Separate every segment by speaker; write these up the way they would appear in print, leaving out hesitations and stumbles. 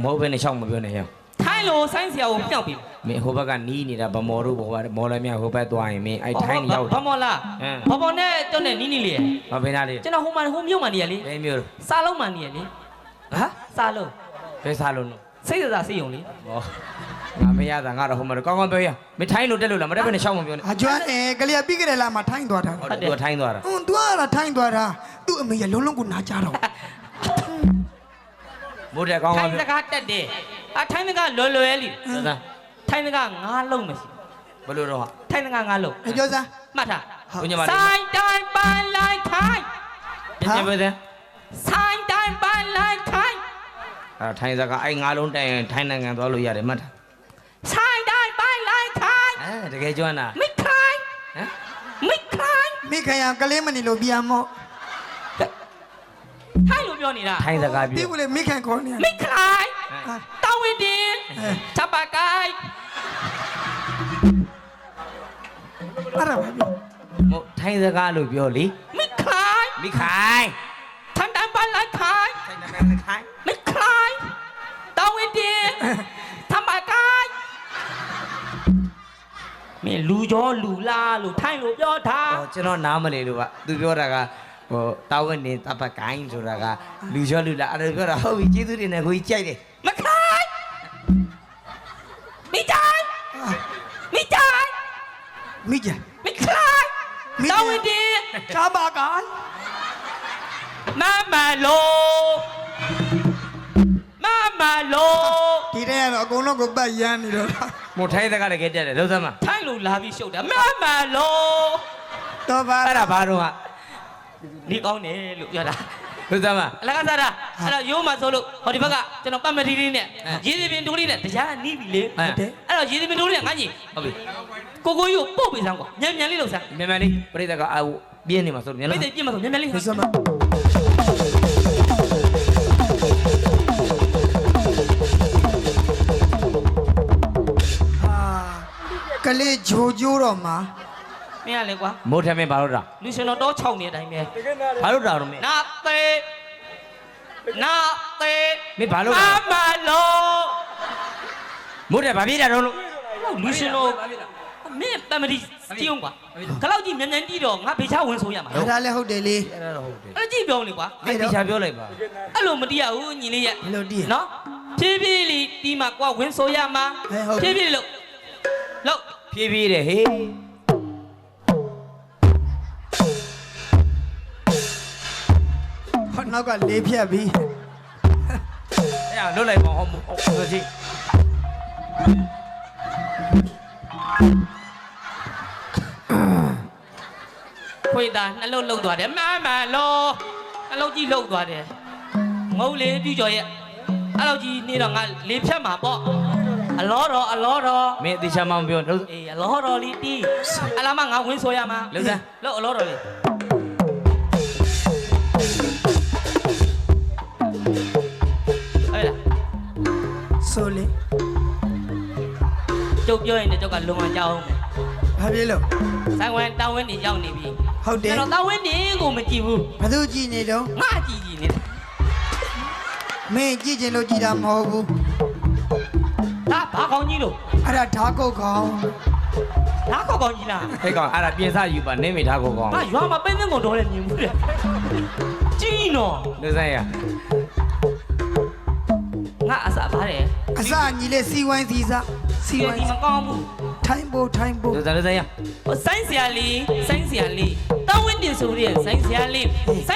Speaker 1: မဟုတ်ဘဲနဲ့ရှောက်မပြောနဲ့ရ
Speaker 2: ထိုင်းလို့ဆိုင်းဆရာကိုပြောက်ပြီ
Speaker 1: မင်းဟိုဘက်ကနီးနေတာဗမော်တို့ဘောမော်လည်းမြဟိုဘက်သွားရင်မင်းအဲ့ထိုင်းနေရောက်
Speaker 2: ဗမော်လားဗမော်နဲ့တွန်းနဲ့နီးလေ
Speaker 1: ဘာဖေးသားလေး
Speaker 2: ကျွန်တော်ဟိုမြို့မှာနေရလေ
Speaker 1: ဘယ်မြို့
Speaker 2: စားလုံးမှာနေရလေဟာစားလုံး
Speaker 1: ဘယ်စားလုံးလို့
Speaker 2: စိတ်စားစိတ်ုံလေ
Speaker 1: ဟောငါမရတာငါတော့ဟိုမှာကောင်းကောင်းပြောရမင်းထိုင်းလို့တက်လို့လားမတက်ဘဲနဲ့ရှောက်မပြောနဲ့
Speaker 3: အကျွမ်းကလေးပြီးကြတယ်လားမထိုင်းသွားတာ
Speaker 1: ဟုတ်တယ်သူထိုင်းသွားတာ
Speaker 3: သူကထိုင်းသွားတာသူ့အမေရလုံးလုံးကိုနားကြတော့
Speaker 1: မိုးတဲ့ကောင်းကောင်း
Speaker 2: ထိုင်းစကားတက်တယ်ထိုင်းစကားလွယ်လွယ်လေးထိုင်းစကားငါးလုံးမရှိ
Speaker 1: ဘယ်လိုတော့ဟာ
Speaker 2: ထိုင်းစကားငါးလုံး
Speaker 3: ပြောစမ်း
Speaker 2: မှတ်ထား
Speaker 1: ဘုညမလေး
Speaker 2: ဆိုင်တိုင်းပန်းလိုက်ထိုင်း
Speaker 1: ပြန်ပြောတယ်
Speaker 2: ဆိုင်တိုင်းပန်းလိုက်ထိုင်း
Speaker 1: ထိုင်းစကားအဲ့ငါးလုံးတိုင်ထိုင်းနိုင်ငံသွားလို့ရတယ်မှတ်ထား
Speaker 2: ဆိုင်တိုင်းပန်းလိုက်ထိုင်း
Speaker 1: တကယ်ကျွမ်းတာ
Speaker 2: မိခိုင်းမိခိုင်း
Speaker 3: မိခိုင်းကလေးမနေလို့ပြန်မော့
Speaker 2: ထိုင်းလို့ပြောနေတာ
Speaker 1: ထိုင်းစကားပြော
Speaker 3: ဒီကလေးမိခိုင်းခေါ်နေ
Speaker 2: မိခိုင်းတောင်းဝင်တင်ချက်ပါကိုင်း
Speaker 3: အဲ့ဒါပဲပြော
Speaker 1: မို့ထိုင်းစကားလို့ပြောလေ
Speaker 2: မိခိုင်းထိုင်းတိုင်းပန်းလိုက်ခိုင်းမိခိုင်းတောင်းဝင်တင်ချက်ပါကိုင်းမင်းလူကျော်လူလားလို့ထိုင်းလို့ပြောတာ
Speaker 1: ကျွန်တော်နားမလည်လို့ကသူပြောတာကဟိုတာဝန်နေတပတ်ကိုင်းဆိုတာကလူကျော်လူလားအဲ့ဒါပြောတာဟုတ်ပြီကျေးဇူးတင်တယ်ကိုကြီးကြိုက်တယ်
Speaker 2: မခိုင်းမိတိုင်း
Speaker 3: မိကြ
Speaker 2: မိခိုင်းတောင်းဝင်တင်
Speaker 3: ချာပါကိုင်း
Speaker 2: မမလို့
Speaker 3: ဒီတဲ့ကတော့အကုန်လုံးကိုပတ်ရမ်းနေတော့
Speaker 1: မို့ထိုင်းစကားလည်းကြက်တယ်လုံးစမ်းမ
Speaker 2: ထိုင်းလို့လာပြီးရှုပ်တာမလို့
Speaker 3: တော့ပါ
Speaker 1: အဲ့ဒါဘာတော့ဟာ
Speaker 2: နေကောင်းတယ်လို့ပြောတာ
Speaker 1: လုံးစမ်းမ
Speaker 2: အလကားစားတာအဲ့တော့ရိုးမှဆိုလို့ဟောဒီဘက်ကကျွန်တော်ပတ်မတီလေးနဲ့ရေစီပင်တိုးလေးနဲ့တရားနီးပြီလေ
Speaker 1: ဟုတ်တယ်
Speaker 2: အဲ့တော့ရေစီပင်တိုးလေးနဲ့ငါညီ
Speaker 1: ဟုတ်ပြီ
Speaker 2: ကိုကြီးကိုပို့ပေးစမ်းကွာမြန်လေးလှုပ်စမ်း
Speaker 1: မြန်လေးပြိတ္တကပြင်းနေမှာဆိုမြန်
Speaker 2: လေးပြင်းမှာဆိုမြန်လေး
Speaker 3: လှုပ်စမ်းကလေးဂျိုတော့မှာ
Speaker 2: မင်းရလေကွာ
Speaker 1: မိုးထမင်းဘာလို့တာ
Speaker 2: လူရှင်တော်တော့6နေတဲ့အတိုင်းပဲ
Speaker 1: ဘာလို့တာတော့မင်း
Speaker 2: နာသေး
Speaker 1: မင်းဘာလို့တာ
Speaker 2: မလို့
Speaker 1: မိုးထဘာပြေးတာတော့လို့
Speaker 2: လူရှင်တော်မင်းတမတီစီအောင်ကွာခလောက်ကြီးမြန်တီးတော့ငါဖေချဝင်ဆိုရမှာ
Speaker 3: ဒါလည်းဟုတ်တယ်လေ
Speaker 1: အဲ့ဒါတော့ဟုတ်တယ်
Speaker 2: အဲ့ကြည့်ပြောလေကွာ
Speaker 1: ဖေချပြောလိုက်ပါ
Speaker 2: အဲ့လိုမတီးရဘူးညီလေးရဲ့
Speaker 3: ဘယ်လိုတီး
Speaker 2: နော်ဖြည်းဖြည်းလေးတီးမှာကွာဝင်ဆိုရမှာဖြည်းဖြည်းလို့
Speaker 1: ဖြည်းဖြည်းတယ်ဟေး
Speaker 3: ဟောနောက်ကလေးဖြတ်ပြီး
Speaker 1: အဲ့လွတ်လိုက်ပါဟုတ်ဆိုကြည့်
Speaker 2: ခွေတာနှလုံးလှုပ်သွားတယ်မလို့နှလုံးကြီးလှုပ်သွားတယ်ငုံလေးပြူကျော်ရဲ့အဲ့လောက်ကြီးနေတော့ငါလေးဖြတ်မှာပေါ့အလောတော်
Speaker 1: မင်းအတိချာမပြောလို့
Speaker 2: အေးအလောတော်လေးတီးအလားမငါဝင်ဆိုရမှာ
Speaker 1: လို့စမ်း
Speaker 2: လို့အလောတော်လေးအဲ့ဒါ
Speaker 3: ဆိုလေ
Speaker 2: ကျုပ်ပြောရင်လည်းကျုပ်ကလုံအောင်ကြောက်အောင်
Speaker 3: ဘာဖြစ်လို့
Speaker 2: ဆိုင်ဝင်တောင်းဝင်းနေရောက်နေပြီ
Speaker 3: ဟုတ်တယ်
Speaker 2: ကျွန်တော်တောင်းဝင်းနေကိုမကြည့်ဘူး
Speaker 3: ဘသူကြည့်နေတော့
Speaker 2: ငါကြည့်နေတာ
Speaker 3: မင်းကြည့်ချင်လို့ကြည့်တာမဟုတ်ဘူး
Speaker 2: ဒါဘာကောင်းကြီးလို့
Speaker 3: အဲ့ဒါဓာကုတ်ကောင်း
Speaker 2: ဓာကုတ်ကောင်းကြီးလား
Speaker 1: ဟဲ့ကောင်အဲ့ဒါပြင်စယူပါနေမိဓာကုတ်ကောင်း
Speaker 2: ငါရွာမှာပင်းစင်းကုန်တော့လည်းမြင်ဘူးတဲ့ကြီးနော်
Speaker 1: လူဆိုင်ရ
Speaker 2: ငါအစားပါတယ်
Speaker 3: အစားညီလေးစီဝိုင်းစီစား
Speaker 2: စီဝိုင်းမကောင်းဘူး
Speaker 3: ထိုင်းဖို့
Speaker 1: လူဆိုင်ရ
Speaker 2: ဆိုင်းဆရာလေးတောင်းဝင်းတင်ဆိုတဲ့ဆိုင်းဆရာလေး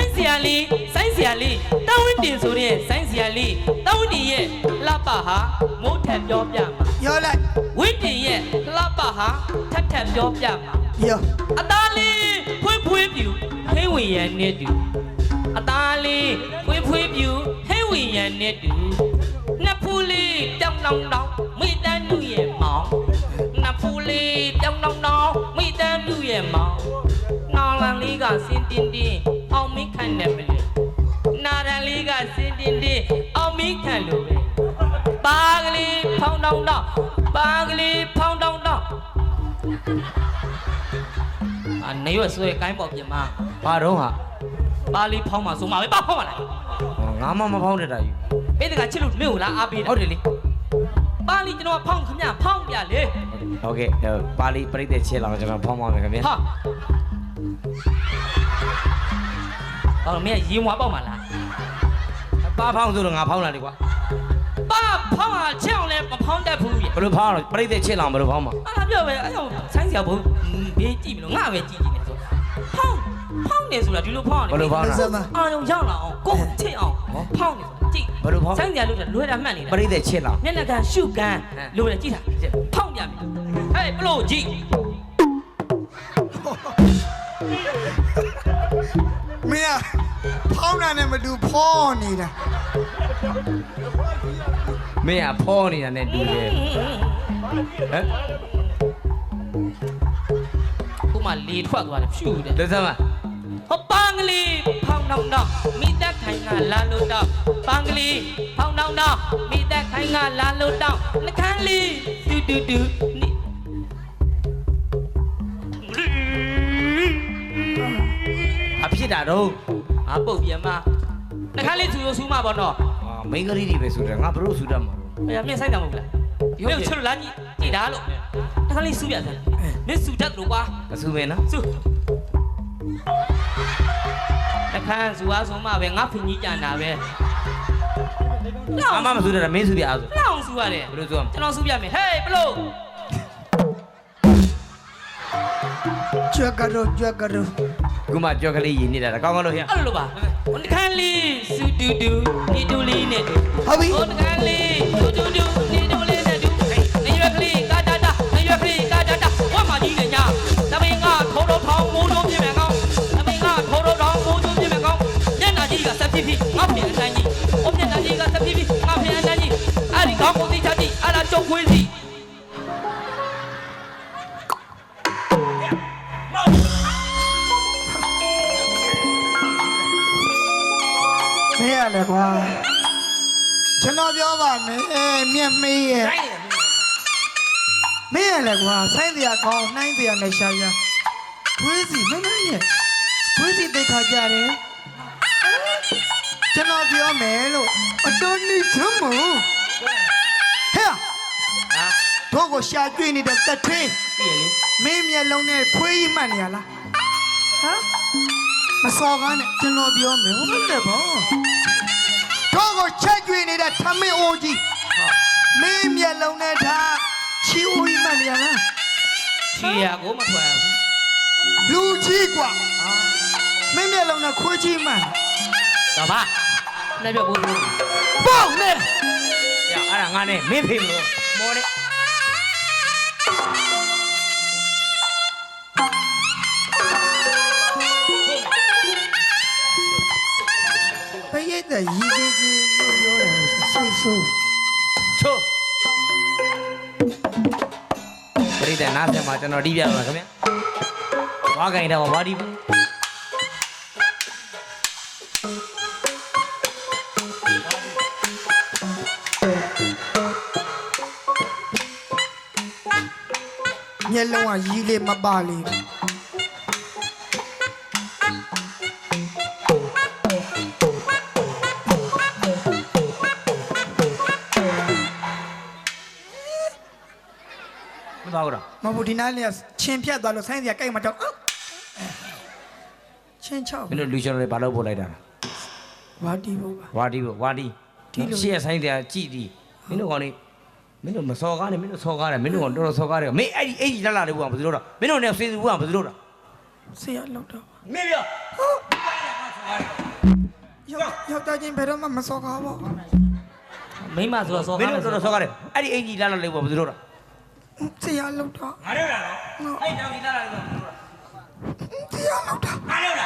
Speaker 2: တောင်းဝင်းတင်ဆိုတဲ့ဆိုင်းဆရာလေးတောင်းဝင်းတင်ရဲ့လှပဟာမိုးထက်ပြောပြမှာ
Speaker 3: ပြောလိုက်
Speaker 2: ဝင်းတင်ရဲ့လှပဟာထက်ပြောပြမှာ
Speaker 3: ပြော
Speaker 2: အသားလေးဖွေးပြူဟိဝင်ရန်နဲ့တူအသားလေးဖွေးပြူဟိဝင်ရန်နဲ့တူနှစ်ဖူးလေးတောင်းမိတန်းလူရဲ့မောင်နှစ်ဖူးလေးတောင်းမိတန်းလူရဲ့မောင်နောင်လန်လေးကစင်တင်းအောင်မိခံတယ်မလို့နာရန်လေးကစင်တင်းအောင်မိခံလို့ပဲပါကလေးဖောင်းတောင်းနေရွှေဆွဲကိုင်းပေါ်ပြင်မှာ
Speaker 1: ဘာတော့ဟာ
Speaker 2: ပါလေးဖောင်းမှာဆိုမှာပဲပါဖောင်းပါလား
Speaker 1: ငါမှမဖောင်းတတ်တာယူ
Speaker 2: မင်းတကချစ်လို့မင်းကိုလားအားပေးတာ
Speaker 1: ဟုတ်တယ်လေ
Speaker 2: ပါဠိကျွန်တော်ဖောင်းခမဖောင်းပြလေ
Speaker 1: ဟုတ်ကဲ့ပါဠိပြိတ္တချစ်လာကျွန်တော်ဖောင်းပါမယ်ခင်ဗျာ
Speaker 2: ဟာအော်မင်းရေမွားပေါက်မှာလား
Speaker 1: ပါဖောင်းဆိုတော့ငါဖောင်းလာလေကွာ
Speaker 2: ပါဖောင်းဟာချက်အောင်လဲမဖောင်းတတ်ဘူးရဲ့
Speaker 1: ဘယ်လိုဖောင်းလဲပြိတ္တချစ်လာဘယ်လိုဖောင်းမှာ
Speaker 2: အားပြောပဲအဲ့တော့ဆိုင်းစရာဘုံဘေးကြည့်မလို့ငါပဲကြည့်နေဆိုဖောင်းနေဆိုတာဒီလိုဖောင်းနေ
Speaker 1: ဘယ်လိုဖောင်းလဲ
Speaker 2: အာရုံရောက်လာအောင်ကိုယ်ချစ်အောင်ဖောင်းနေကြည့်
Speaker 1: ဘယ်လိုဖောင်း
Speaker 2: ဆိုင်းစရာလို့လွယ်တာမှတ်နေတာ
Speaker 1: ပြိတ္တချစ်လာ
Speaker 2: မျက်နှာကရှုကန်လို့လေကြည့်တာဖောင်းပြမယ်ဟဲ့ဘလို့ကြည့်
Speaker 3: မင်းကဖောင်းတာနဲ့မတူဖောင်းနေတာ
Speaker 1: မင်းကဖောင်းနေတာနဲ့တူတယ်ဟမ်
Speaker 2: ခုမှလေထွက်သွားတယ်ဖြူတယ်
Speaker 1: လက်စမ်းမ
Speaker 2: ဟောပန်းကလေးဖောင်းနောင်တော့မိသက်ခိုင်ကလာလို့တော့ပန်းကလေးဖောင်းနောင်တော့မိသက်ခိုင်ကလာလို့တော့နှခမ်းလေးတူတူတူနိ
Speaker 1: အဖြစ်တာတော့
Speaker 2: ငါပုတ်ပြန်မနှခမ်းလေးသူရဆူးမပေါ့နော်
Speaker 1: မိန်းကလေးတွေပဲဆိုတယ်ငါဘလို့ဆူတတ်မှာ
Speaker 2: အဲ့မြင်ဆိုင်တယ်မဟုတ်လားမင်းချလို့လာကြည့်ကြည့်တာလို့နှခမ်းလေးဆူးပြတယ်မင်းဆူတတ်လို့ကွာ
Speaker 1: မဆူမင်းနော်
Speaker 2: ဆူနှခမ်းဆူအားဆိုမှပဲငါဖင်ကြီးကြံတာပဲ
Speaker 1: အမမဆူတတ်တာမင်းဆူပြအားဆို
Speaker 2: လောင်ဆူရတယ်
Speaker 1: ဘလို့ဆူအောင်
Speaker 2: ကျွန်တော်ဆူပြမယ်ဟေးဘလို့
Speaker 3: ကြွက်ကတော့
Speaker 1: ခုမှကြောက်ကလေးရည်နေတာကောင်းကောင်းလို့ဟဲ့
Speaker 2: အဲ့လိုပါနှခမ်းလေးဆူတူတူဒီတူလေးနဲ့တူ
Speaker 3: ဟုတ်ပြီ
Speaker 2: ဟိုနှခမ်းလေးတူတူတူဒီတူလေးနဲ့တူနေရွက်ကလေးကာတာတာနေရွက်ကလေးကာတာတာဝတ်မကြီးနဲ့ညာသမင်ကထိုးတော့ထောင်းမိုးလုံးပြင်းမယ်ကောင်းသမင်ကထိုးတော့ထောင်းမိုးလုံးပြင်းမယ်ကောင်းမျက်နှာကြီးကဆက်ဖြစ်ဖြစ်ငါ့ပြင်အတိုင်းကြီးဟိုမျက်နှာကြီးကဆက်ဖြစ်ဖြစ်ငါ့ပြင်အတိုင်းကြီးအဲ့ဒီကောင်းကိုသိချကြည့်အဲ့ဒါကျုပ်ခွေးစီ
Speaker 3: မင်းရလေကွာကျွန်တော်ပြောပါမယ်မြက်မေးရဲ့မင်းရလေကွာဆိုင်းစရာကောင်းနှိုင်းစရာနဲ့ရှာရှာခွေးစီမင်းရဲ့ခွေးစီတိတ်ခါကြတယ်ကျွန်တော်ပြောမယ်လို့အတော်နေချမ်းမို့ဟဲ့
Speaker 2: ဟာ
Speaker 3: တို့ကိုရှာကျွေးနေတဲ့တက်ထင်း
Speaker 2: ပြည့်လေ
Speaker 3: မင်းမျက်လုံးနဲ့ခွေးကြီးမှတ်နေရလားဟမ်မစော်ကားနဲ့ကျွန်တော်ပြောမယ်ဟုတ်တယ်ဗောတို့ကိုချက်ကျွေးနေတဲ့ထမင်းအိုးကြီးမင်းမျက်လုံးနဲ့ဒါချီအိုးကြီးမှတ်နေရလား
Speaker 2: ချီရကိုမထွက်ဘူး
Speaker 3: လူကြီးกว่าမင်းမျက်လုံးနဲ့ခွေးကြီးမှတ်
Speaker 2: တော့ပါလက်ပြဖို့
Speaker 3: ပေါက်နဲ့
Speaker 1: ရအဲ့ဒါငါနဲ့မင်းဖေးမလို့မော်တဲ့
Speaker 3: ဘယ်ရဲ့တဲ့ရီကြီးကြီးလို့ပြောတယ်စိတ်ဆိုး
Speaker 1: ချိုးပြိတ္တနားဆက်မှာကျွန်တော်တီးပြပါမယ်ခင်ဗျာဝါကိုင်တော့ဝါဒီဘူး
Speaker 3: မျက်လုံးကရီလေးမပါလေ
Speaker 1: မပါဘူးလား
Speaker 3: မဟုတ်ဒီနားလေးကချင်းဖြတ်သွားလို့ဆိုင်းစရာကြိုက်မှတော့ချင်းချောက်
Speaker 1: မင်းတို့လူရှင်တွေဘာလို့ပို့လိုက်တာလဲ
Speaker 3: ဝါတီဘောပါ
Speaker 1: ဝါဒီဘူးဝါဒီ
Speaker 3: ဒီလို
Speaker 1: ရှေ့ဆိုင်တရားကြည့်ဒီမင်းတို့ကောင်နေမင်းတို့မစော်ကားနဲ့မင်းတို့စော်ကားတယ်မင်းတို့ကောင်တော်တော်စော်ကားတယ်မင်းအဲ့ဒီအဲ့ဒီလာလာတွေဘူးကဘာလို့တော့မင်းတို့နဲ့စေးစုဘူးကဘာလို့တော့
Speaker 3: ဆရာလောက်တော့
Speaker 1: မင်းပြော
Speaker 3: ယောက်ျားချင်းဘယ်တော့မှမစော်ကားပါ
Speaker 2: မိမဆိုတော့စော
Speaker 1: မင်းတို့တော်တော်စော်ကားတယ်အဲ့ဒီအဲ့ဒီလာလာတွေဘူးကဘာလို့တော့
Speaker 3: ဆရာလောက်တော့
Speaker 1: ငါတို့လားအဲ့တောင်ဒီလာလာတွေဘူးကဘာလို့တော့
Speaker 3: ဆရာလောက်တော့
Speaker 1: ငါတို့လား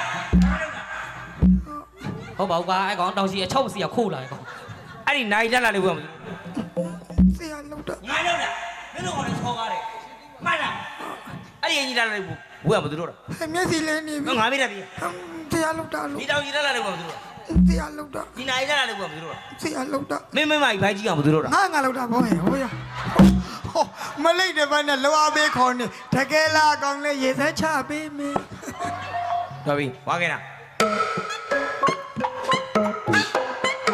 Speaker 2: ဟုတ်ပါဘူးကွာအဲ့ကောင်တောင်စီအချောက်စီခိုးလာတယ်ကောင်
Speaker 1: အဲ့ဒီနိုင်လာလာတွေဘူးကဘာလို့
Speaker 3: ဆရာလောက်တော့
Speaker 1: ငါတို့လားမင်းတို့ကောင်စော်ကားတယ်မှန်လားအဲ့ဒီအဲ့ဒီလာလာတွေဘူးကဘာလို့တော့
Speaker 3: မျက်စိလဲနေပြီ
Speaker 1: ငါမေးတယ်ပြီ
Speaker 3: ဆရာလောက်တော့
Speaker 1: ဒီတောင်ဒီလာလာတွေဘူးကဘာလို့တော့
Speaker 3: ဆရာလောက်တော့
Speaker 1: ဒီနိုင်လာလာတွေဘူးကဘာလို့တော့
Speaker 3: ဆရာလောက်တော့
Speaker 1: မင်းမကြီးဘိုင်းကြီးအောင်ဘာလို့တော့
Speaker 3: ငါလောက်တော့ဘောဟဲ့ဟိုရဟောမလိုက်တဲ့ဘက်နဲ့လောအပေးခေါ်နေတကယ်လားကောင်းလဲရေစက်ချပေးမင်း
Speaker 1: တော်ပြီဝါခဲ့တာ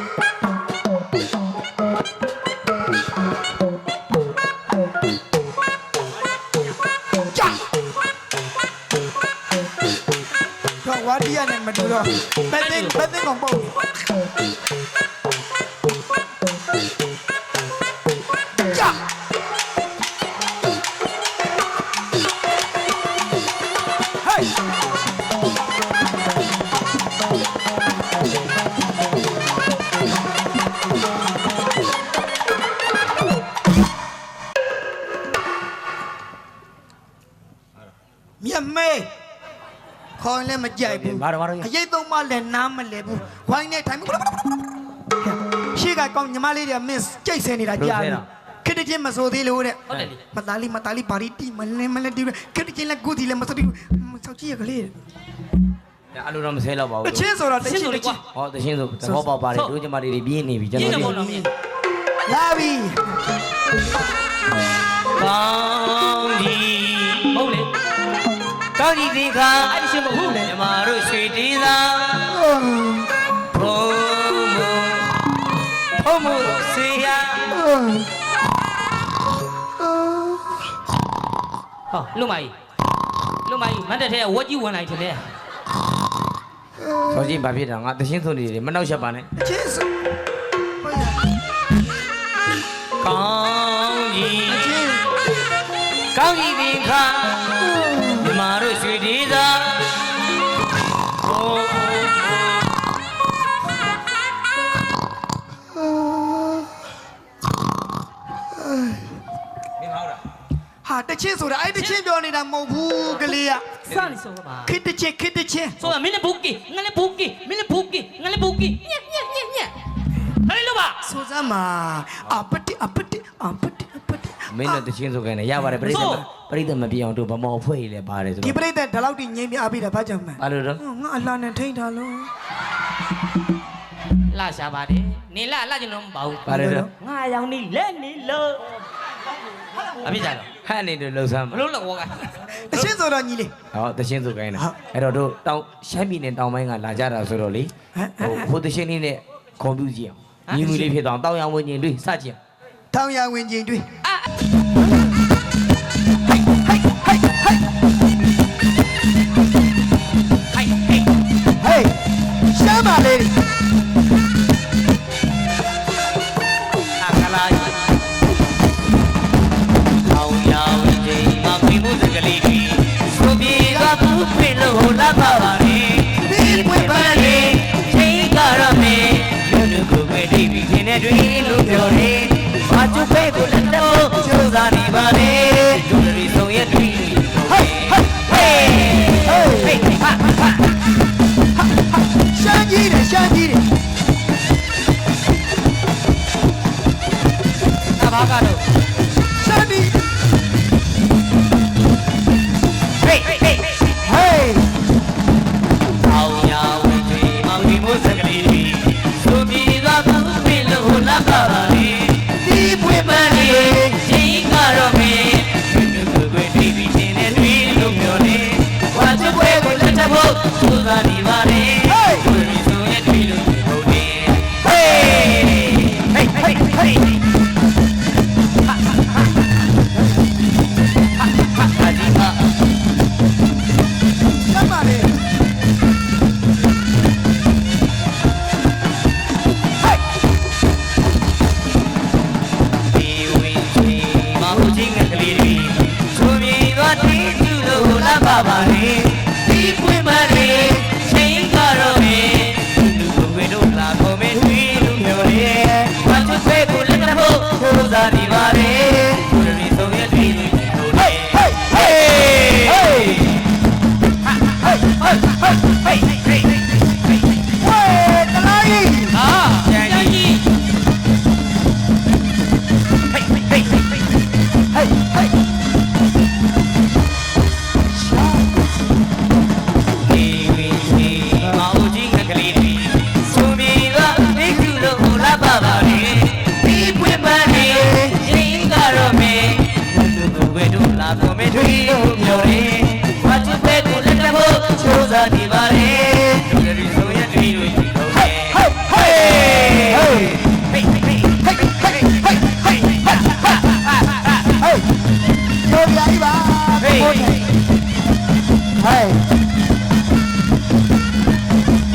Speaker 3: ဆိုတော့ဘယ်သိကောင်ပေါ့ကြာ မြတ်မေခေါင်းလည်းမကြိုက်ဘူး
Speaker 1: ဘာတော့
Speaker 3: အရေးသုံးမလည်းနားမလဲဘူးဝိုင်းနဲ့ထိုင်ရှေ့ကကောင်းညီမလေးတွေကမင်းကြိတ်ဆဲနေတာကြားတယ်ခက်တဲ့ချင်းမစိုးသေးလို့တဲ့
Speaker 2: ဟုတ်တယ်လေ
Speaker 3: မသားလေးဘာရီတီမလဲတီခက်တဲ့ချင်းလည်းကိုတီလည်းမစိုးသေးဘူးစောက်ကြည့်ရကလေး
Speaker 1: အဲ့လိုတော့မဆဲတော့ပါဘူး
Speaker 3: တချင်းဆိုတော့တ
Speaker 2: ရှ
Speaker 3: ချင်း
Speaker 2: င်း
Speaker 3: တ
Speaker 2: လို့
Speaker 3: ချ
Speaker 2: ကွာ
Speaker 3: င်း
Speaker 1: ဟောတရှင်းဆိုသဘောပေါက်ပါတယ်တို့ကျမတွေပြင်းနေပြီကျွန်
Speaker 2: ရင်း
Speaker 1: တော်
Speaker 2: တော့
Speaker 1: တို့
Speaker 2: ဘောတော့မြင်
Speaker 3: လာပြီ
Speaker 1: ကောင်းကြီး
Speaker 2: ဟုတ်လေ
Speaker 1: ကောင်းကြီးဒီခါ
Speaker 2: အဲ့ဒီရှင်းမဟုတ်လေ
Speaker 1: ကျမတို့ရွှေတီးသာဘုံမဆေးရ
Speaker 2: ဟောလွတ်မကြီးမတ်တက်ထဲဝက်ကြီးဝင်လိုက်တယ်လေ
Speaker 1: ဆောကြီးဘာဖြစ်တာငါတရှင်းဆုံးနေတယ်မနှောက်ရက်ပါနဲ့
Speaker 3: တချင်းဆိုဟုတ်ရ
Speaker 1: ကောင်းကြီး
Speaker 3: တချင်း
Speaker 1: ကောင်းကြီးဒီခါကျမတို့ရွှေတီးသာဘုံ
Speaker 3: ဟာတချင်းဆိုတာအဲ့တချင်းပြောနေတာမဟုတ်ဘူးကလေးက
Speaker 2: စနေဆိုပါ
Speaker 3: ခစ်တချင်း
Speaker 2: ဆိုတော့မင်းလည်းဘူကီငါလည်းဘူကီမင်းလည်းဘူကီငါလည်းဘူကီညက်ဟဲ့လို့ပါ
Speaker 3: ဆိုစမ်းမှာအပတိ
Speaker 1: မင်းတို့တချင်းဆိုခိုင်းတယ်ရပါတယ်ပြိဿမပြေအောင်တို့ဗမော်ဖွဲ့ရည်လဲပါတယ်ဆို
Speaker 3: ဒီ
Speaker 1: တော့
Speaker 3: ပြိတ္တဒီလောက်ထိငြိမ်းပြအားပေးတာဘာကြောင့်မှ
Speaker 1: ဘာလို့တော့
Speaker 3: ငါအလှနဲ့ထိန်းထားလို့
Speaker 2: လာရှာပါတယ်နေလာကျွန်တော်မပါဘူး
Speaker 1: ဘာလို့တော့
Speaker 2: ငါရောင်နေလက်နေလို့အပြစ်ကြတော့
Speaker 1: ဟဲ့နေတို့လှုပ်ဆမ်း
Speaker 2: မလို့တော့က
Speaker 3: တချင်းဆိုတော့ညီလေး
Speaker 1: ဟောတချင်းဆိုခိုင်းတာအဲ့တော့တို့တောင်ရှမ်းပြည်နယ်တောင်ပိုင်းကလာကြတာဆိုတော့လေဟိုတချင်းလေးနဲ့ကွန်ပျူတာကြည့်အောင်ညီမလေးဖြစ်တော့တောင်ရဝင်ချင်းတွေ့စကြည့်
Speaker 3: ထောင်ရဝင်ချင်းတွေ့
Speaker 2: အာ
Speaker 3: ဟေးရှမ်းပါလေ
Speaker 1: အခလာတောင်ရဝင်ချင်းမပြမှုစကလေးတွေဆိုပြေကဘူးပြေလို့လာပါပါလေဒီပွင့်ပါလေချိန်ကြရမယ်လူလူကိုပဲတိတ်ပြီးခင်တဲ့တွေလို့ပြောတယ်ဘာကျုပ်ပဲကိုလက်တော့ကျိုးစားနေပါလေလူတွေဆုံးရဲ့တွေဟေးဟေးဟေးဟေးဟာဟာ
Speaker 3: ရှမ်းကြီးတယ်
Speaker 1: အဘာကတော့
Speaker 3: ရှမ်းဒီ
Speaker 1: ဟေးဟေးဟေး
Speaker 3: ဟေး
Speaker 1: အောင်ရဝင်ကြီးမောင်ဒီမိုးစကလေးတွေဆိုပြေသွားဘူးပြေလို့လာပါပါလေဒီပွင့်ပန်းလေးချိန်ကတော့မင်းလူလူကိုတိတ်ပြီးရှင်တဲ့တွေလို့ပြောတယ်ဝါချွဲကိုလက်ထပ်ဖို့စူးစမ်းနေပါလေလူတွေဆိုရဲ့တွေလို့ပြောတယ်ဟေးဟေးဟေးဟေးအဒီပါ
Speaker 3: ရှမ်းပါလေ
Speaker 1: ဒီဝင်ကြီးမဟုတ်ချင်းကလေးတွေဆိုမြေသွားတီးသူလို့လာပါပါလေဒီပွင့်မလေးချိန်ကတော့မင်းလူကိုဝေတို့လာခေါ်မင်းတွေလို့ပြောလေဘာသူဖဲကိုလက်တော့ကိုးစားနေပါလေကိုရီဆုံးရဲ့တွေလို့ပြောလေဟေးဟေးဟေးဟာဟေးဟေးဟေးဟေးဟေး
Speaker 3: ဝေးတလားကြီး
Speaker 2: ဟာကျန်ကြီး
Speaker 1: ဟေးဟေးဟေးဟေးဟေးဟေးဟေး ဒီဝင်ကြီးမဟုတ်ချင်းကလေးတွေဆိုမြေသွားတိတ်သူလို့လာပါပါလေဒီပွင့်ပန်းလေးချိန်ကတော့မင်းလူကိုဝေတို့လာခေါ်မင်းတွေလို့ပြောတယ်ဘာချစ်ပဲကိုလက်တော့ချိုးစားနေပါလေလူတွေဆိုရဲ့တွေလို့ပြောတယ်ဟေးဟေးဟေးဟေးဟေးဟေးဟေးဟေးဟေးဟေးဟေး
Speaker 3: တို့ပြာကြီးပါ
Speaker 1: ဟေး
Speaker 3: ဟေး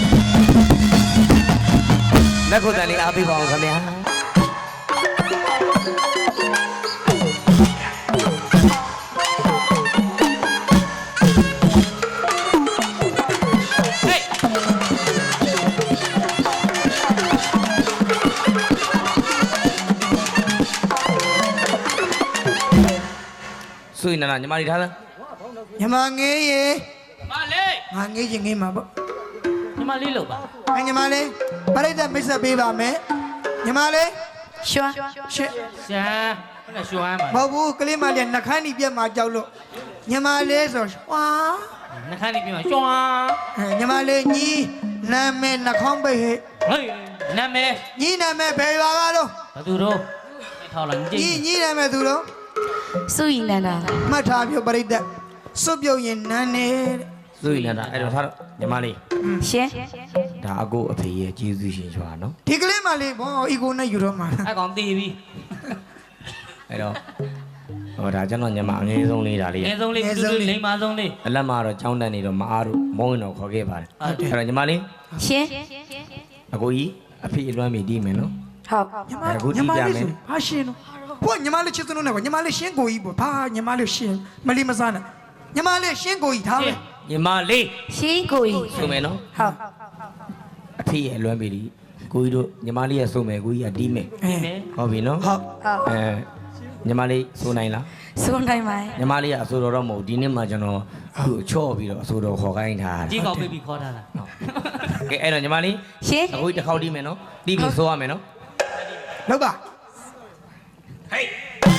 Speaker 1: ဆွေနာနာညီမလေးထားလား
Speaker 3: ညီမငေးရေ
Speaker 2: မလေး
Speaker 3: ငါငေးချင်ငေးမှာပေါ့
Speaker 2: ညီမလေးလို့ပါ
Speaker 3: ညီမလေးပရိသတ်မိတ်ဆက်ပေးပါမယ်ညီမလေး
Speaker 4: ရွှမ်း
Speaker 3: ရှစ်
Speaker 2: ရှမ်းဘယ်နဲ့ရွှမ်းမှာ
Speaker 3: မဟုတ်ဘူးကလေးမလေးနှခမ်းနီပြက်မှာကြောက်လို့ညီမလေးဆိုဝါ
Speaker 2: နှခမ်းလေးပြမှာရွှမ်း
Speaker 3: ညီမလေးညီနာမည်နှခေါင်းပိတ်ဟဲ့
Speaker 2: ဟေးနာမည်
Speaker 3: ညီနာမည်ဘယ်ရွာကတော့
Speaker 2: ဘသူတို့ထောက်လာကြည့်
Speaker 3: ညီနာမည်သူတော့
Speaker 4: စုရီနန္ဒာ
Speaker 3: မှတ်ထားပြပရိသတ်စွတ်ပြုတ်ရင်နန်းနေ
Speaker 1: ဆွေနာနာအဲ့တော့ထားတော့ညီမလေး
Speaker 4: ရှင်
Speaker 1: ဒါအကိုအဖေရဲ့ကျေးဇူးရှင်ရွာနော်
Speaker 3: ဒီကလေးမလေးဘောအီကိုနဲ့ယူတော့မှာ
Speaker 2: အဲ့ကောင်တီးပြီ
Speaker 1: အဲ့တော့ဟောဒါကျွန်တော်ညီမအငယ်ဆုံးလေးဒါလေး
Speaker 2: အငယ်ဆုံးလေးတူတူလိမ္မာဆုံးလေး
Speaker 1: အလက်မှာတော့ကြောင်းတန်းနေတော့မအားတို့မုန်းရင်တော့ခေါ်ခဲ့ပါတယ်အဲ့တော့ညီမလေး
Speaker 4: ရှင်
Speaker 1: အကိုကြီးအဖေအလွမ်းမိတီးမယ်နော်
Speaker 4: ဟုတ်
Speaker 3: ညီမလေးဘာရှင်းတော့ဘောညီမလေးချစ်စလို့နဲ့ညီမလေးရှင်းကိုကြီးပေါ့ဘာညီမလေးရှင်းမလီမစားနဲ့ညီမလေးရှင်းကိုကြီးထားမယ်
Speaker 1: ညီမလေး
Speaker 4: ရှင်ကိုကြီး
Speaker 1: ဆိုမယ်နော်
Speaker 4: ဟုတ်
Speaker 1: အဖေရဲ့အလွမ်းမိတီးကိုကြီးတို့ညီမလေးရဲ့ဆိုမယ်ကိုကြီးကတီးမယ်
Speaker 3: အဲ
Speaker 1: ဟုတ်ပြီနော်
Speaker 3: ဟုတ်
Speaker 4: ဟုတ်
Speaker 1: ညီမလေးဆိုနိုင်လား
Speaker 4: စုံတိုင်းပါ
Speaker 1: ညီမလေးကအဆိုတော်တော့မဟုတ်ဒီနေ့မှကျွန်တော်သူ့ချော့ပြီးတော့အဆိုတော်ခေါ်ခိုင်းထား
Speaker 2: ကြီး
Speaker 1: တယ်
Speaker 2: ကောင်ပြေးပြီးခေါ်ထားတာ
Speaker 1: ကဲအဲ့တော့ညီမလေး
Speaker 4: ရှင်
Speaker 1: အခုတစ်ခေါက်တီးမယ်နော်တီးပြီးဆိုရမယ်နော်
Speaker 3: လောက်ပါ
Speaker 1: ဟေး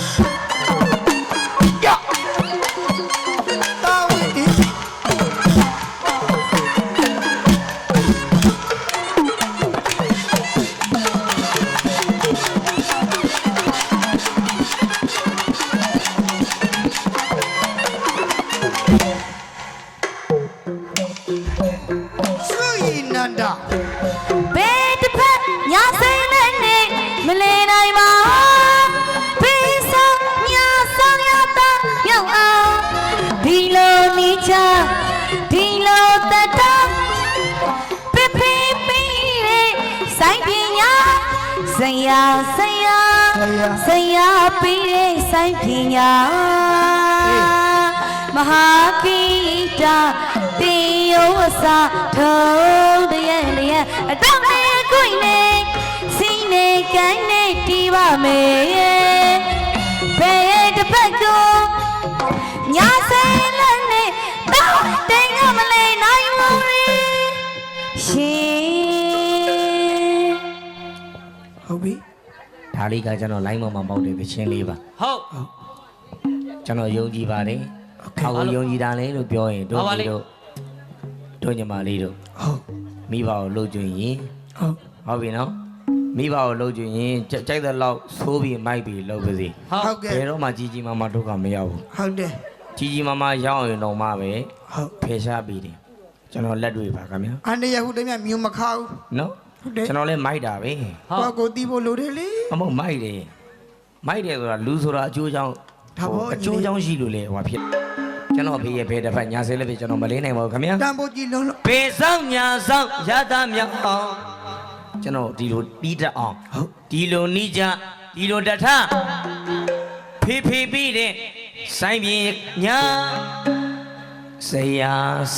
Speaker 3: တာဝင်းဒီ ဆွေနန္ဒာ
Speaker 4: ဘယ်တစ်ဖက်ညာစိမ့်နဲ့နေမလဲနိုင်ပါဘေးဆောင်ညာဆောင်ရတာရောက်အောင်ဒီလိုနေချဒီလိုတတ်တာပြပြပြတဲ့ဆိုင်ပညာဆရာဆရာဆရာပြီးတဲ့ဆိုင်ပညာမဟာကိတာတေယောဝစာထုံးတရဲ့လျက်အတော့နဲ့ကိုယ်နဲ့စိနေကိုင်းနဲ့တီးပါမယ်ဘယ်တစ်ပတ်ကိုညာစဲလက်နဲ့တော့တင်ကမလဲနိုင်ဘူးရှင်
Speaker 3: ဟုတ်ပြီ
Speaker 1: ဒါလေးကကျွန်တော် line ပေါ်မှာပေါက်တဲ့သချင်းလေးပါ
Speaker 2: ဟုတ်
Speaker 1: ကျွန်တော်ယုံကြည်ပါတယ်အခုယုံကြည်တာလေလို့ပြောရင်တို့ညီတို့ညီမလေးတို့
Speaker 3: ဟုတ်
Speaker 1: မိဘကိုလှုပ်ကြွရင်
Speaker 3: ဟုတ်
Speaker 1: ဟုတ်ပြီနော်မိဘကိုလှုပ်ကြွရင်ကြိုက်တဲ့လောက်သိုးပြီးမိုက်ပြီးလှုပ်ပါစေ
Speaker 3: ဟုတ်ကဲ့
Speaker 1: ဘယ်တော့မှကြီးကြီးမားမားဒုက္ခမရောက်ဘူး
Speaker 3: ဟုတ်တယ်
Speaker 1: ကြီးကြီးမားမားရောက်ရင်တော့မှပဲ
Speaker 3: ဟုတ်
Speaker 1: ဖယ်ရှားပြီးတယ်ကျွန်တော်လက်တွေ့ပါခင်ဗျာ
Speaker 3: အန်တရဟုတည်းမြမြူမခါဘူး
Speaker 1: နော်
Speaker 3: ဟုတ်တယ်
Speaker 1: ကျွန်တော်လည်းမိုက်တာပဲ
Speaker 2: ဟုတ်
Speaker 3: ကိုတီးဖို့လိုတယ်လေ
Speaker 1: အမဟုတ်မိုက်တယ်ဆိုတာလူဆိုတာအကျိုးကြောင့်
Speaker 3: ဒါပေါ့
Speaker 1: အကျိုးကြောင့်ရှိလို့လေဟိုဖြစ်ကျွန်တော်ဖေးရဲ့ဖေးတစ်ဖက်ညာဆဲလည်းဖေးကျွန်တော်မလေးနိုင်ပါဘူးခင်ဗျာ
Speaker 3: တန်ဖို့ကြည့်လုံးလို့
Speaker 1: ဖေးဆောင်ညာဆောင်ရတာမြောက်အောင်ကျွန်တော်ဒီလိုတီးတတ်အောင်
Speaker 3: ဟုတ်
Speaker 1: ဒီလိုနီးကြဒီလိုတထဖေးဖေးပြီးတဲ့ဆိုင်ပြေညာဆရာ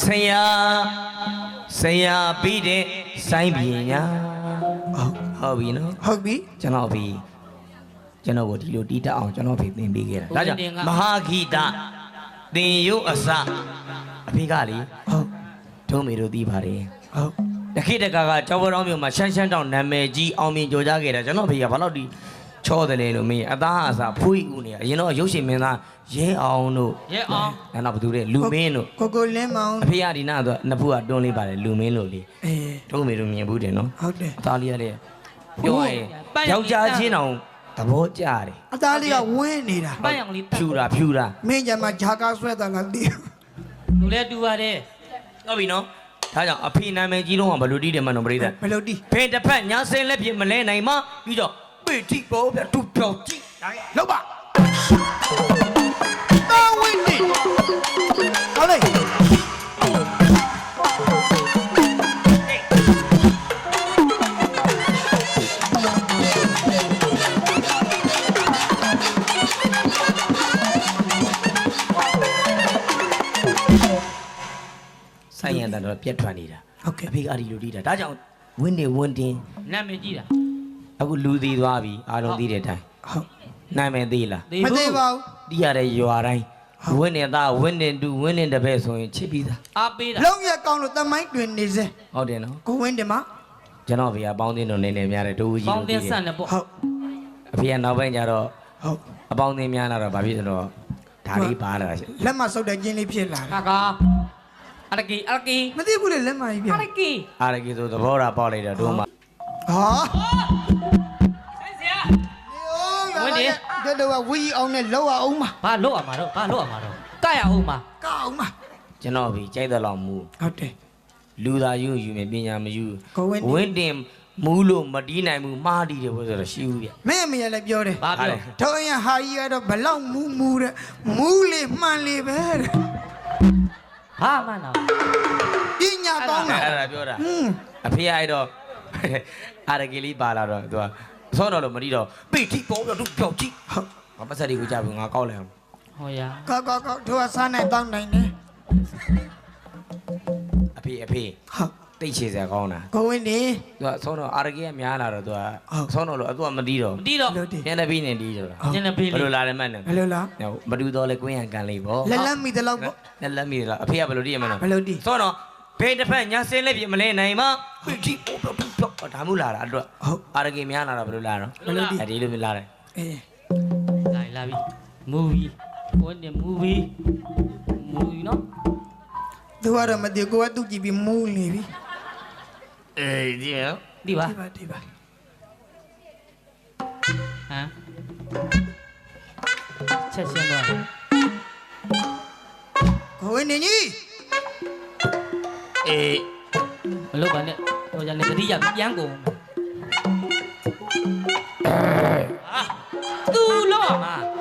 Speaker 1: ပြီးတဲ့ဆိုင်ပြေညာ
Speaker 3: ဟုတ်
Speaker 1: ဟုတ်ပြီနော်
Speaker 3: ဟုတ်ပြီ
Speaker 1: ကျွန်တော်ဖေးကျွန်တော်ကိုဒီလိုတီးတတ်အောင်ကျွန်တော်ဖေးသင်ပေးခဲ့တာဒါကြောင့်မဟာဂီတသင်ရုပ်အစအဖေကလေ
Speaker 3: ဟုတ်
Speaker 1: ထုံးမေတို့တီးပါတယ်
Speaker 3: ဟုတ်
Speaker 1: တခိတကကကျောင်းပေါ်တော်မြို့မှာရှမ်းရှမ်းတောင်နာမည်ကြီးအောင်မြင်ကြိုးကြားခဲ့တာကျွန်တော်ဖေကဘာလို့ဒီချောတယ်လဲလို့မေးအသားအစားဖွေးဦးနေအရင်တော့ရုပ်ရှင်မင်းသားရဲအောင်တို့
Speaker 2: ရဲအောင်
Speaker 1: နောက်ဘသူတဲ့လူမင်းတို့
Speaker 3: ကိုလင်းမောင်
Speaker 1: အဖေကဒီနာဆိုနှစ်ဖူးကတွန်းလေးပါတယ်လူမင်းလို့လေ
Speaker 3: အေး
Speaker 1: ထုံးမေတို့မြင်ဘူးတယ်နော်
Speaker 3: ဟုတ်တယ်
Speaker 1: အသားလေးကလည်းပြောရရင်ယောက်ျားချင်းတောင်သဘောကျတယ်
Speaker 3: အသားလေးကဝင်းနေတာ
Speaker 2: ပန်းရောင်လေး
Speaker 1: ဖြူတာ
Speaker 3: မင်းကြမှာဂျာကာဆွဲတာလားတီး
Speaker 2: လူလဲတူပါတယ်
Speaker 1: ဟုတ်ပြီနော်ဒါကြောင့်အဖေနာမည်ကြီးတော့ဘယ်လိုတီးတယ်မှတော့ပြိဿ
Speaker 3: ဘယ်လိုတီး
Speaker 1: ဖေတစ်ဖက်ညာစင်လက်ပြမလဲနိုင်မှပြီးတော့ပေတိပေါ်ပြတူပြောက်ကြည့်
Speaker 3: လောက်ပါတာဝင်းဒီဟုတ်လေ
Speaker 1: ဆိုင်ရန်တန်တော့ပြက်ထွက်နေတာ
Speaker 3: ဟုတ်ကဲ့
Speaker 1: အဖေကဒီလိုတီးတာဒါကြောင့်ဝင်းနေဝင်းတင်း
Speaker 2: နာမည်ကြီးတာ
Speaker 1: အခုလူသေးသွားပြီအားလုံးသိတဲ့အတိုင်း
Speaker 3: ဟုတ်
Speaker 1: နာမည်သေးလား
Speaker 2: သေး
Speaker 3: မ
Speaker 2: ဘူး
Speaker 3: သေးပါဘူး
Speaker 1: တီးရတဲ့ရွာတိုင်းဝင်းနေသားဝင်းနေတူဝင်းနေတပည့်ဆိုရင်ချစ်ပြီးသား
Speaker 2: အားပေးတာ
Speaker 3: လုံးရကောင်းလို့တမိုင်းတွင်နေစေ
Speaker 1: ဟုတ်တယ်နော်
Speaker 3: ကိုဝင်းတင်မ
Speaker 1: ကျွန်တော်ဖေကပေါင်းတင်တို့နေနေများတယ်တူကြီး
Speaker 2: ပေါင်းတင်ဆန့်တယ်ပေါ့
Speaker 3: ဟုတ်
Speaker 1: အဖေကနောက်ပိုင်းကျတော့
Speaker 3: ဟုတ်
Speaker 1: အပေါင်းတင်များလာတော့ဗာဖြစ်ဆိုတော့ဒါလေးပါလာတာရှင့်
Speaker 3: လက်မဆုပ်တဲ့ကျင်းလေးဖြစ်လာတယ်
Speaker 2: ကာအရကီ
Speaker 3: မသိဘူးလေလက်မကြီးပြ
Speaker 2: အရကီ
Speaker 1: အားရကြီးဆိုသဘောထားပေါက်လိုက်တော့တို့မှ
Speaker 3: ဟာ
Speaker 2: ဆိုင်ဆရာ
Speaker 3: တို့တော့ဝီအောင်နဲ့လောက်အောင်မှာ
Speaker 2: ဘာလို့ရမှာတော့ကရအောင်မှာ
Speaker 3: ကောက်အောင်မှာ
Speaker 1: ကျွန်တော်ဖေကြိုက်တဲ့လောက်မူ
Speaker 3: ဟုတ်တယ်
Speaker 1: လူသာယူယူမယ်ပညာမယူ
Speaker 3: ကိုဝင်း
Speaker 1: ဝင်းတင်မူးလို့မတီးနိုင်ဘူးမှားတီးတယ်ဘုဆိုတော့ရှိဘူးဗျ
Speaker 3: မင်းအမေလည်းပြောတယ်
Speaker 2: ဘာပြော
Speaker 3: ထုံးရင်ဟာကြီးကတော့ဘလောက်မူတဲ့မူလေးမှန်လေးပဲတဲ့
Speaker 2: ဘာမှန်းတော့
Speaker 3: ပညာကောင်းတာ
Speaker 1: အဲ့ဒါပြောတာ
Speaker 3: ဟွန်း
Speaker 1: အဖေအဲ့တော့အားရကြီးလေးပါလာတော့သူကဆောတော့လို့မတီးတော့ပိတိပေါ်တော့သူပြောက်ကြည့်
Speaker 3: ဟုတ်
Speaker 1: ငါပတ်သက်တွေကိုကြပြီငါကောက်လိုက်အောင်
Speaker 2: ဟောရ
Speaker 3: ကောက်တို့ကစားနိုင်တောင်းနိုင်တယ်
Speaker 1: အဖေ
Speaker 3: ဟုတ်
Speaker 1: တိတ်ချေစရာကောင်းတာ
Speaker 3: ကိုဝင်းနေ
Speaker 1: သူကဆောတော့အားရကြီးကများလာတော့သူက
Speaker 3: ဟုတ်
Speaker 1: ဆောတော့လို့သူကမတီးတော့
Speaker 2: မတီးတော့
Speaker 3: လို့တည်
Speaker 1: ညနေပြီးနေတီးတော့
Speaker 2: ညနေပေး
Speaker 1: ဘယ်
Speaker 2: လေ
Speaker 1: လိုလာတယ်မှတ်နေ
Speaker 3: ဘယ်လိုလား
Speaker 1: မတူတော့လေကွင်းရံကန်လေးပေါ့
Speaker 3: လက်မိတလောက်ပေါ့
Speaker 1: လက်မိလားအဖေကဘယ်လိုတီးရမလဲ
Speaker 3: ဘယ်လိုတည်
Speaker 1: ဆောတော့ဖေးတစ်ဖက်ညာစင်းလေးပြမလဲနိုင်မပိတိပေါ်တော့သူပြောက်ဒါမှမလာတာအတွက်
Speaker 3: ဟုတ်
Speaker 1: အားရကြီးများလာတော့ဘယ်လိုလာတော့
Speaker 3: ဘယ်လိုတည်
Speaker 1: အဲ့ဒီလိုလာတယ်
Speaker 3: အေး
Speaker 2: လာပြီမူဗီဝင်တယ်မူဗီနော်
Speaker 3: သူကတော့မသိကိုကသူ့ကြည့်ပြီးမူးနေပြီ
Speaker 1: အေးဒီရော
Speaker 2: ဒီပါ
Speaker 3: ဒီပါ
Speaker 2: ဟမ်ချက်ရှင်းတော့
Speaker 3: ကိုဝင်းနေကြီး
Speaker 1: အေး
Speaker 2: မလုပ်ပါနဲ့ဟိုကြလေတတိယပြန်ကုန်ဟာသူ့လောက်မှာ